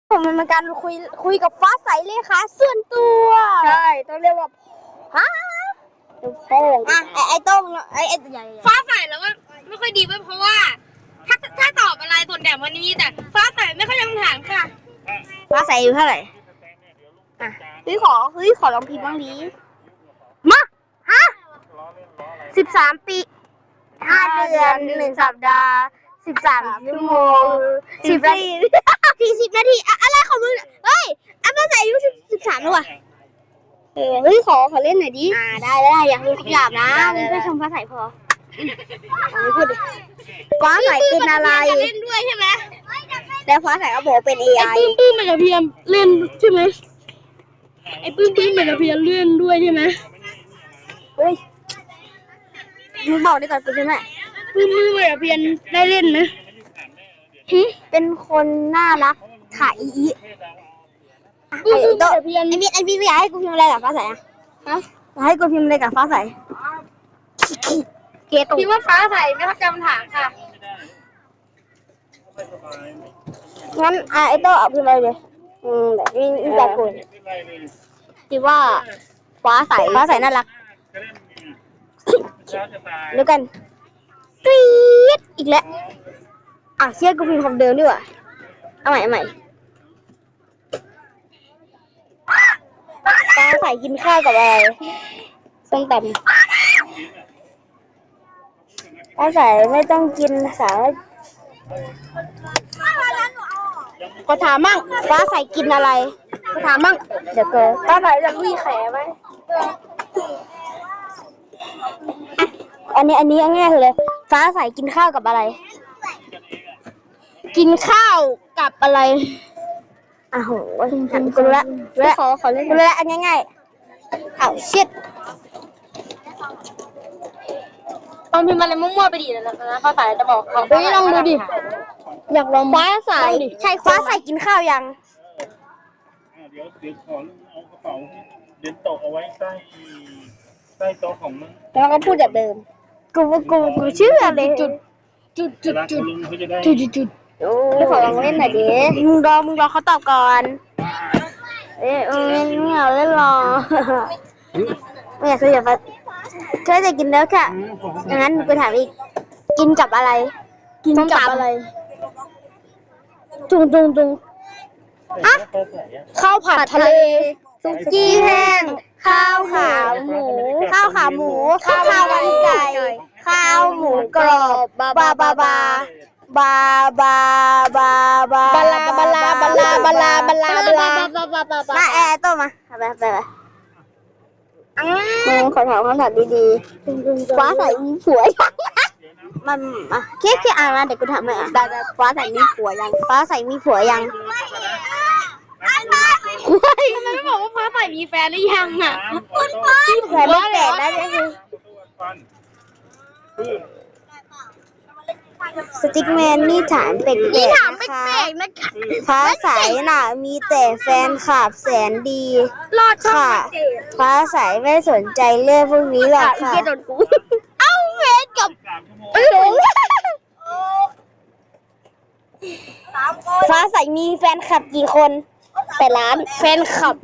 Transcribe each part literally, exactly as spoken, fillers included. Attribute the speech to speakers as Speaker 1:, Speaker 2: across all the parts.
Speaker 1: ผมมันเป็นการคุยคุยกับฟ้าใสเลยค่ะส่วนตัวใช่ต้องเรียกว่าฮะโป้งอ่ะไอ้ไอ้ต้งไอ้ไอ้ใหญ่
Speaker 2: ฟ้าใสแล้วก็ไม่ค่อยดีเว้ยเพราะว่าถ้าถ้าตอบอะไรส่วนใหญ่วันนี้แต่ฟ้าใสไม่ค่อยยังถามค่ะ
Speaker 1: ฟ้าใสอยู่เท่าไหร่อ่ะเฮ้ยขอเฮ้ยขอลองพิมพ์บ้างดีมาฮะสิบสามปีห้าเดือนหนึ่งสัปดาห์สิบสามชั่วโมงสิบสี่สี่สิบนาทีอะไรของมึงเฮ้ยอันฟ้าใสอายุสิบสิบสามแล้ววะเออเฮ้ยขอขอเล่นหน่อยดิอ่าได้ได้อยากรู้คำหยาบนะมึงแค่ชมฟ้าใสพอไม่พูดดิฟ้าใสเป็นอะไร
Speaker 2: เล่นด้วยใช่ไหม
Speaker 1: แล้วฟ้าใสก็บอกเป็น เอ ไอ
Speaker 2: ไอ้ปื้มปื้มมันจะเพียมเล่นใช่ไหมไอ้ปื้มปื้มมันจะเพียมเล่นด้วยใช่ไหม
Speaker 1: เฮ้ยมึงบอกได้ก่อนกูใช่ไหม
Speaker 2: ปื้มปื้มมันจะเพียมได้เล่นไหม
Speaker 1: เป็นคนน่ารักค่ะอีอี
Speaker 2: ปื้มปื้มมันจะเพียม
Speaker 1: ไอพี่ไอพี่อยากให้กูพิมพ์อะไรกับฟ้าใสอะฮะอยากให้กูพิมพ์อะไรกับฟ้าใสเกตุ
Speaker 2: พี่ว่าฟ้าใสไม่เข้าใจคำถามค่ะ
Speaker 1: งั้นไอโต้เอาพิมพ์อะไรเลยอืมแบบนี้แบบคุณคิดว่าฟ้าใสฟ้าใสน่ารักแล้วกันกรี๊ดอีกแล้วอ่ะเชื่อกูพิมพ์คำเดิมดีกว่าเอาใหม่เอาใหม่ฟ้าใสกินข้าวกับอะไรส้มตำฟ้าใสไม่ต้องกินสารก็ถามมั่งฟ้าใสกินอะไรก็ถามมั่งเดี๋ยวเกิดฟ้าใสจะลุยแขไหมอันนี้อันนี้ง่ายเลยฟ้าใสกินข้าวกับอะไรกินข้าวกับอะไรอ้าวโหฉันกูรู้ละแล้วขอขอเล่นกูรู้ละอันง่ายๆอ้าวชิด
Speaker 2: ลองพิมพ์อะไรมั่วๆไปดิแล้วนะฟ้าใสจะบอกเขา
Speaker 1: เฮ้ยลองดูดิอยากลองฟ้าใสใช่ฟ้าใสกินข้าวยัง
Speaker 3: เดี๋ยวเดี๋ยวขอเอากระเป๋าเดินตกเอาไว้ใต้ใต้โต๊ะของมึง
Speaker 1: แล้วก็พูดแบบเดิมกูกูกูเชื่อเลย
Speaker 2: จุดจุดจุดจุด
Speaker 3: จุด
Speaker 2: จุดจุด
Speaker 1: ไม่ขอลองเล่นหน่อยดิมึงรอมึงรอเขาตอบก่อนเอ้ยเออไม่เอาเล่นรอไม่อยากคุยกับฟ้าเคยแต่กินแล้วค่ะอย่างนั้นกูถามอีกกินกับอะไรกินกับอะไรจุงจุงจุงอะข้าวผัดทะเลซุกี้แห้งข้าวขาหมูข้าวขาหมูข้าวขาวันไก่ข้าวหมูกรอบบาบาบาบาบาบาบาบาบาลาบาลาบาลาบาลาบาลาบาลามาแอร์ต้มมาไปไปไปมึงขอถามคำถามดีๆฟ้าใสมีผัวยังมันอ่ะแค่แค่อ่านมาเดี๋ยวกูถามหน่อยอ่ะได้ฟ้าใสมีผัวยังฟ้าใสมีผัวยัง
Speaker 2: ทำไมไม่บอกว่าฟ้าใสมีแฟนหรือยังอ่ะ
Speaker 1: คุณพ่อแฟนไม่แตกได้ก็คือสติ๊กแมนนี่ถามเป็กๆนะคะฟ้าใสน่ะมีแต่แฟนคลับแสนดีค่ะฟ้าใสไม่สนใจเรื่องพวกนี้หรอกค่ะเอ้าเวทกับฟ้าใสมีแฟนคลับกี่คนแปดล้านแฟนคลับ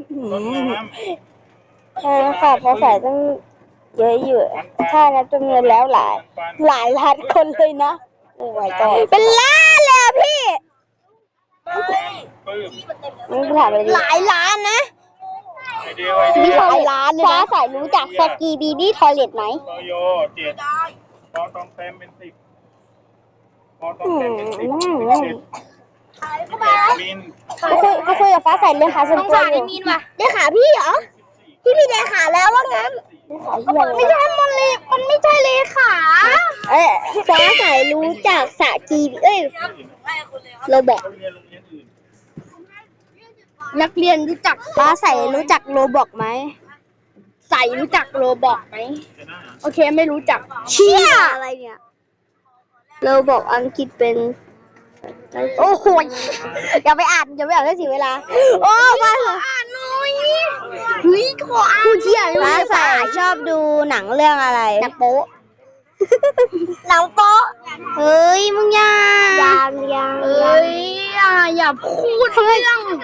Speaker 1: แฟนคลับฟ้าใสต้องเยอะอยู่ถ้านับจำนวนแล้วหลายหลายล้านคนเลยนะโอ้ยก็เป็นล้านเลยพี่มึงถามอะไรหลายล้านนะมีหลายล้านเลยนะฟ้าใสรู้จักสกีบีบี้ทอยเลทไหม
Speaker 3: โยเจ็ดพอต้องเต็มเป็นสิบพอต้องเต็มเป็นสิบมิน
Speaker 1: เขาคุยเขาคุยกับฟ้าใสเรื่องขาส่วนตัวอยู่มีนว่ะเรื่องขาพี่เหรอพี่พี่เรื่องขาแล้วว่างั้นไม่ใช่มันเลยมันไม่ใช่เลยขาเอ้ยฟ้าใสรู้จักสกีเอ้ยเราบอกนักเรียนรู้จักฟ้าใสรู้จักโรบอกไหมใสรู้จักโรบอกไหมโอเคไม่รู้จักเชี่ยอะไรเนี่ยโรบอกอังกฤษเป็นโอ้โหอย่าไปอ่านอย่าไปอ่านได้เสียเวลาโอ้มาเถอะอ่านหน่อยเฮ้ยขออ่านผู้เชี่ยวฟ้าใสชอบดูหนังเรื่องอะไรหนังโป๊ะหนังโป๊ะเฮ้ยมึงยังยังยัง
Speaker 2: เอ้ยอย่าอย่าพูดเรื่อง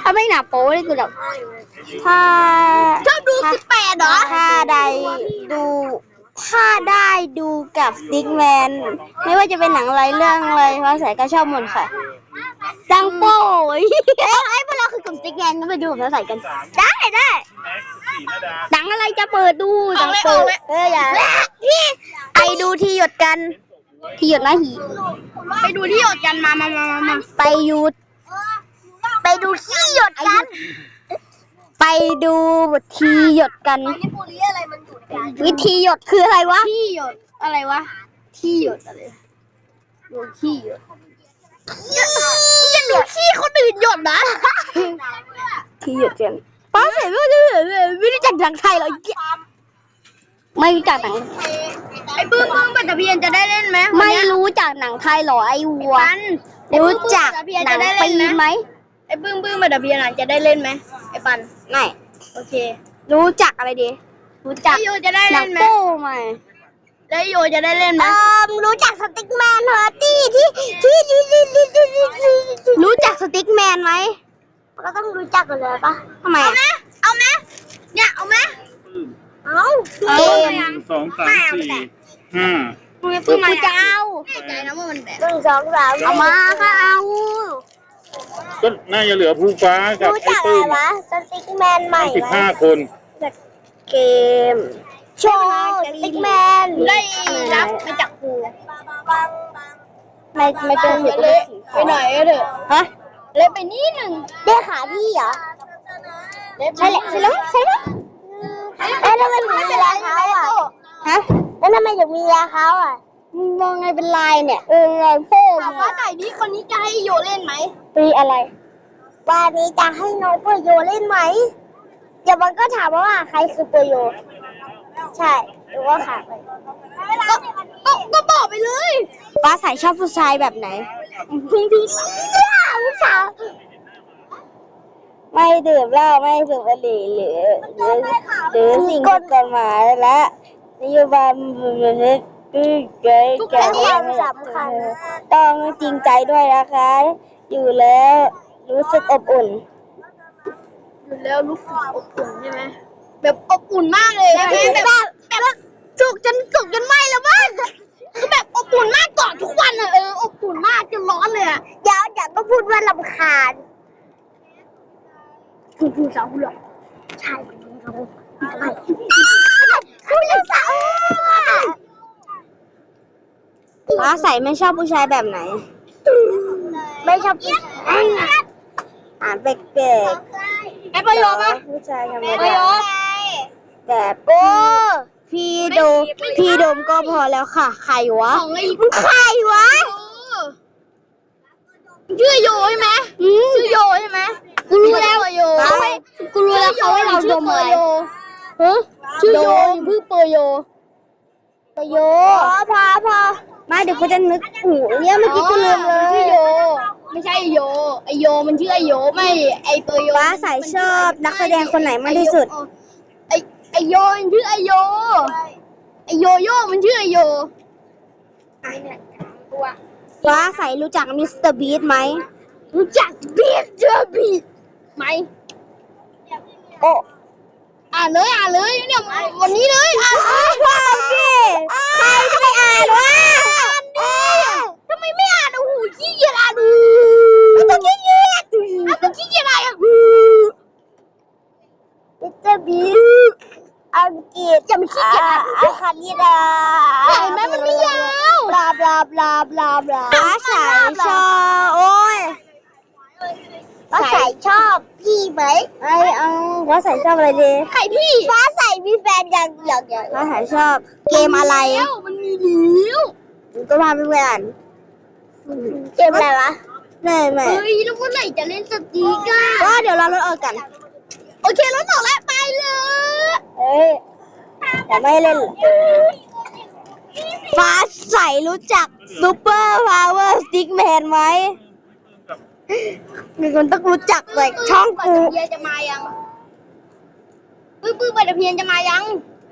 Speaker 1: าไม่หนาโป๊เลยกูแบบถ้า
Speaker 2: ชอบดูสิบแปดเหรอ
Speaker 1: ถ้าได้ดูถ้าได้ดูกับสติ๊กแมนไม่ว่าจะเป็นหนังอะไรเรื่องอะไรฟ้าใสก็ชอบหมดค่ะดังโป้ยเอ้ยพวกเราคือกลุ่มสติ๊กแมนก็ไปดูกับฟ้าใสกัน ได้ได้
Speaker 3: แม็กซ์สีนาดา
Speaker 1: หนังอะไรจะเปิดดูหนังเปิดเอออย่าไปดูที่หยดกันที่หยดนะหี
Speaker 2: ไปดูที่หยดกันมามามามามา
Speaker 1: ไปหยุดไปดูที่หยดกัน ไปดูทีหยดกัน วิธีหยดคืออะไรวะ
Speaker 2: ที่หยดอะไรวะ ที่หยดอะไรดูที่หยดอย่าดูที่คนอื่นหยดนะ
Speaker 1: ที่หยดกันป้าเสร็จไม่รู้ไม่รู้จักหนังไทยเหรอไม่รู้จักหนัง
Speaker 2: ไอ้ปื้มปื้มปัตตพียนจะได้เล่นไหม
Speaker 1: ไม่รู้จักหนังไทยเหรอไอ้วัว
Speaker 2: ปัน
Speaker 1: รู้จักหนังปีไหม
Speaker 2: ไอ้ปื้มปื้มปัตตพียนจะได้เล่นไหมไอ้ปัน
Speaker 1: ไม่
Speaker 2: โอเค
Speaker 1: รู้จักอะไรดีรู้จัก
Speaker 2: ไอ้โยจะได้
Speaker 1: หนั
Speaker 2: เล่
Speaker 1: ง
Speaker 2: นไหม
Speaker 1: โป้ไหม
Speaker 2: แล้วไอ้โยจะได้เล่นไหม
Speaker 1: เอ่อรู้จักสติ๊กแมนเหรอที่ที่ที่ที่ที่ที่ที่ที่รู้จักสติ๊กแมนไหมก็ต้องรู้จักกันเลยปะทำไม
Speaker 2: เอาไหมเอาไหมเนี่ยเอาไหม
Speaker 1: เอา
Speaker 2: เอา
Speaker 1: เก
Speaker 2: ไหม
Speaker 1: ม
Speaker 3: หนึ่งสองสามสี่ห้า
Speaker 2: ปื้ม
Speaker 1: กู
Speaker 2: ปื้มมา
Speaker 1: จะเอา
Speaker 2: แน่ใจนะว่ามันแบบ
Speaker 1: หนึ่งสองสามเอามาค่ะเอา
Speaker 3: ก็น่าจะเหลือภูฟ้ากับ
Speaker 1: รู้
Speaker 3: ไอ้
Speaker 1: จักอะ
Speaker 3: ปื้
Speaker 1: ไร
Speaker 3: ม
Speaker 1: วะสติ๊กแมนใหม่
Speaker 3: สิบ
Speaker 1: ไหม
Speaker 3: ห้าคน
Speaker 1: เกมโชว์สติ๊กแมน
Speaker 2: ได้รับมาจากครู
Speaker 1: ไม่ไม่เป็นเสียง
Speaker 2: เละไปหน่อยก็เถอะ
Speaker 1: ฮะ
Speaker 2: เละไปนิดหนึ่ง
Speaker 1: ได้ขาพี่เหรอใช่แหละใช่แล้วใช่แล้วเอ๊ะแล้วมันถึงมีราเขาอ่ะฮะแล้วทำไมถึงมีราเขาอ่ะมองไงเป็นลายเนี่ยเออลายโป้ง
Speaker 2: ถามว่าไหนนี้คนนี้จะให้โยเล่นไหม
Speaker 1: ปีอะไรวันนี้จะให้น้องเปโยเล่นไหมเดี๋ยวมันก็ถามว่าใครคือเปโยใช่หรือว่าขาดไป
Speaker 2: ก็ก็ก็บอกไปเลย
Speaker 1: ป้าใส่ชอบผู้ชายแบบไหนพี่พี่ผู้ชายไม่ดื่มเหล้าไม่สูบบุหรี่หรือหรือหรือสิ่งผิดกฎหมายและนโยบายมันนี้คือเกิดการสำคัญต้องจริงใจด้วยนะคะ อยู่แล้วรู้สึกอบอุ่น
Speaker 2: อยู่แล้วรู้สึกอบอุ่นใช่ไหมแบบอบอุ่นมากเลยใช่ไหมแบบแบบจุกจนจุกจนไหม้แล้วมั้งคือแบบอบอุ่นมากกอดทุกวันอะเอออบอุ่นมากจนร้อนเลยอะ
Speaker 1: เดี๋ยวเดี๋ยวก็พูดว่าลำคาญ
Speaker 2: คุณคุณสาวคุณหรอ
Speaker 1: ใช่คุณสาวคุณสาวป้าใส่ไม่ชอบผู้ชายแบบไหน ไม่ชอบผู้ชายอ่านแปลก
Speaker 2: ไอ้ประโยชน์ปะ
Speaker 1: ๆผู้ชายธรรม
Speaker 2: ประโย
Speaker 1: ดา
Speaker 2: ชน์
Speaker 1: แบบโอ้พี่โดมพี่โดมก็พอแล้วค่ะใครวะ
Speaker 2: ของไอ้
Speaker 1: มึงใครวะ
Speaker 2: ชื่อโยใช่ไหม
Speaker 1: อืม
Speaker 2: ชื่อโยใช่ไหม
Speaker 1: กูรู้แล้ว
Speaker 2: โย
Speaker 1: เขาให้กูรู้แล้วเขาให้เราดมอะไรฮะ
Speaker 2: ชื่อโยอยู่เพิ่งเปอร์โย
Speaker 1: ประโยพอพอพอมาเดี๋ยวกูจะนึกหูเนี่ยเมื่อกี้กูลืมเล
Speaker 2: ชื่อย โย ไม่ใช่โยไอโยมันชื่อไอโยไม่ไอเปอร์โย
Speaker 1: ฟ้าใสชอบนักแสดงคนไหนมากที่สุด
Speaker 2: ไอไอโยมันชื่อไอโยไอโยโย่มันชื่อไอโย
Speaker 1: ฟ้าใสรู้จักมิสเตอร์บีทไหม
Speaker 2: รู้จักบีทเจอบีทไหม
Speaker 1: โอ้
Speaker 2: อ่านเลยอ่านเลยเนี่ยวันนี้เลยอ่าน
Speaker 1: ว้าวพี่ใครจะไปอ่านวะ
Speaker 2: ทำไมไม่อ่านโอ้โหขี้เกียจอ่านดู
Speaker 1: ต้องขี้เกียจ
Speaker 2: อ่ะก็ขี้เกียจอะไรอ่ะ
Speaker 1: มิสเตอร์บีทอังกฤษ
Speaker 2: อย่ามาขี้เกียจอ่าน
Speaker 1: อาคานิดา
Speaker 2: เห็นไหมมันไม่ยาว
Speaker 1: บลาบลาบลาบลาบลาฟ้าใสชอบโอ้ยฟ้าใสชอบพี่ไหมไอเอาฟ้าใสชอบอะไรดี
Speaker 2: ใครพี่
Speaker 1: ฟ้าใสมีแฟนยังยังยังฟ้าใสชอบเกมอะไร
Speaker 2: แล้วมันมีแล้ว
Speaker 1: ก็พาไปอ่านเกมอะไรวะไม่ไม่
Speaker 2: เฮ้ยแล้วเมื่อไหร่จะเล่นสตีกอ่ะ
Speaker 1: ก็เดี๋ยวเราลดออกกัน
Speaker 2: โอเครถออกแล้วไปเลย
Speaker 1: เอ้ยแต่ไม่เล่นหรอกฟ้าใสรู้จักซูเปอร์พาวเวอร์สติ๊กแมนไหมมีคนต้องรู้จักเลยช่องกู
Speaker 2: เพียจะมายังปื้อปื้อปัตเพียนจะมายัง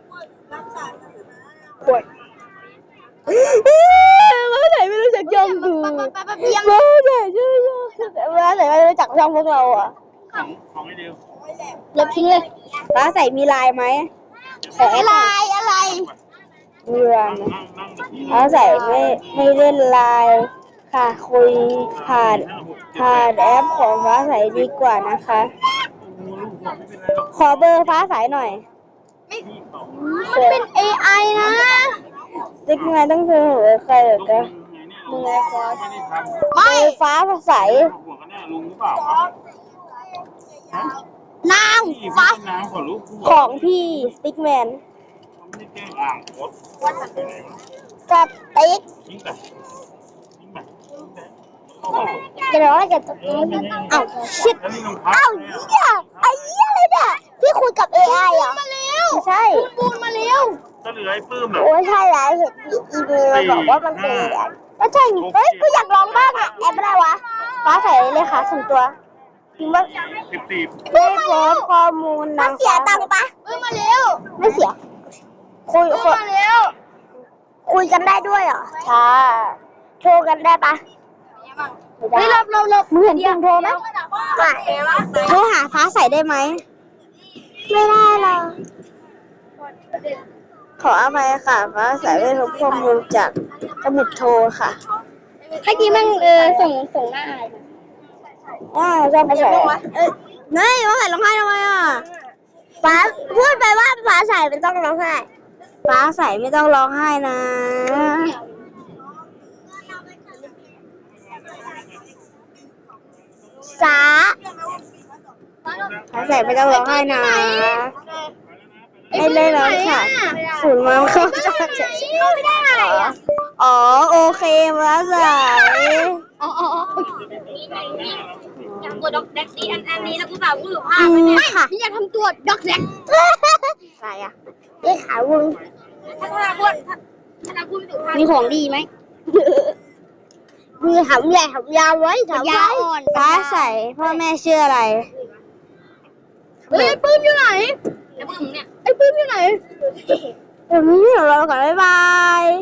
Speaker 1: ฟ้าใสไม่รู้จักช่องกู
Speaker 2: ไปไปไปเพียง
Speaker 1: ฟ้าใสชื่อฟ้าใสไม่รู้จักช่องพวกเราอ่ะ
Speaker 2: ใค
Speaker 3: ของของไอเดียว
Speaker 2: ลบทิ้งเลย
Speaker 1: ฟ้าใสมีลายไหมขอแอดห
Speaker 2: อะ
Speaker 1: น่
Speaker 2: ไร
Speaker 1: อย
Speaker 2: อะไร
Speaker 1: มีลายไหม
Speaker 3: นั่งนั่งกับที่
Speaker 1: ฟ้าใสไม่ไม่เล่นไลน์ค่ะ คุยผ่านผ่านแอปของฟ้าใสดีกว่านะคะ
Speaker 3: โอ้ลูกหัวไม่เป็นไรหรอก
Speaker 1: ขอเบอร์ฟ้าใสหน่อย
Speaker 3: พี่เขา
Speaker 2: มันเป็น เอ ไอ นะ
Speaker 1: ซิกไงต้องเจอหัวใครเหรอ
Speaker 3: ลูก
Speaker 1: คะ
Speaker 3: มึงไงเนี่ยลุงไม่ได้ทำ
Speaker 1: เบอร์ฟ้าใส
Speaker 3: หัวกันแน่ลุงหรือเปล่าครับฮะ
Speaker 2: นาง
Speaker 3: พี่
Speaker 2: ฟ้า
Speaker 3: พี่น้ำขอลูก
Speaker 1: ของพี่สติ๊กแมน
Speaker 3: เขาไม่ได้แกล้งอ่างรถไปไหนวะ
Speaker 2: สติ๊ก
Speaker 3: ยิงไปยิงไปยิงไปเข้าไป
Speaker 2: จะบอกว่าจะตก
Speaker 3: เออไม่ได้
Speaker 2: เอ้าชิด
Speaker 3: แล้วนี่รองเท้า
Speaker 2: เอ้าเหี้ยไอ้เหี้ยอะไรเนี่ยที่คุยกับ เอ ไอ อ่ะมาเร็ว
Speaker 1: ใช่
Speaker 2: ปูนมาเร็ว
Speaker 3: ก็เหลือไอ้ปื้มน่ะ
Speaker 1: โอ้ยใช่แล้วเห็นอีเมลบอกว่ามันเป็นแอปก็ใช่นี่เฮ้ยกูอยากลองบ้างอะแอปอะไรวะฟ้าใสเลยค่ะส่วนตัวพิมพ์ว่า
Speaker 3: สิบสี่
Speaker 1: ได้โพสต์ข้อมูลนาง
Speaker 2: เสียตังค์ปะเอ้ยมาเร็ว
Speaker 1: ไม่เสีย คุย
Speaker 2: เอ้ย
Speaker 1: คุย
Speaker 2: มาเร็ว
Speaker 1: คุยกันได้ด้วยเหรอใช่โทรกันได้ปะไม่
Speaker 2: เฮ้ย
Speaker 1: ได้
Speaker 2: เราเราเรา
Speaker 1: มึงเห็นพิมพ์โทรไหมไม่โทรหาฟ้าใสได้ไหมไม่ได้หรอกขออภัยค่ะฟ้าใสไม่พบข้อมูลจากสมุดโทรค่ะ
Speaker 2: เมื่อกี้มันเออส่งส่งหน้าอะไรมา
Speaker 1: อ่าชอบภาษาเอ้ยไม่ว่าใส่ร้องไห้ทำไมอ่ะฟ้าพูดไปว่าฟ้าใสไม่ต้องร้องไห้ฟ้าใสไม่ต้องร้องไห้นะสาฟ้าใสไม่ต้องร้องไห้นะไม่เล่นแล้วค่ะศูนย์มันเข้าใจ
Speaker 2: ไม่ได้อะไรอ่ะ
Speaker 1: อ๋อโอเคฟ้าใส
Speaker 2: อ๋ออ๋ออ๋อ
Speaker 4: อยากกดดอกแดกดีอันอันนี้แล้วกูแบบกูอยู่ภา
Speaker 1: อื
Speaker 4: พ
Speaker 1: มค่ะ
Speaker 2: นี่อยากทำตัวด็อกแดก
Speaker 1: อะไรอ่ะนี่ขาวง
Speaker 4: ถ้าเราพูดถ้าเราพูดไม่ถูกภาพ
Speaker 2: มีของดีไหม
Speaker 1: มือหำใหญ่หำยาวไว้ถาม
Speaker 2: ยา
Speaker 1: ไว้
Speaker 2: อ่อน
Speaker 1: ฟ้าใสพ่อแม่ชื่ออะไร
Speaker 2: เฮ้ยไอ้ปื้มอยู่ไหน
Speaker 4: แล้วมึงเนี่ย
Speaker 2: ไอ้ปื้มอยู่ไหน
Speaker 1: เดี๋ยวนี้เราก่อนบ๊ายบาย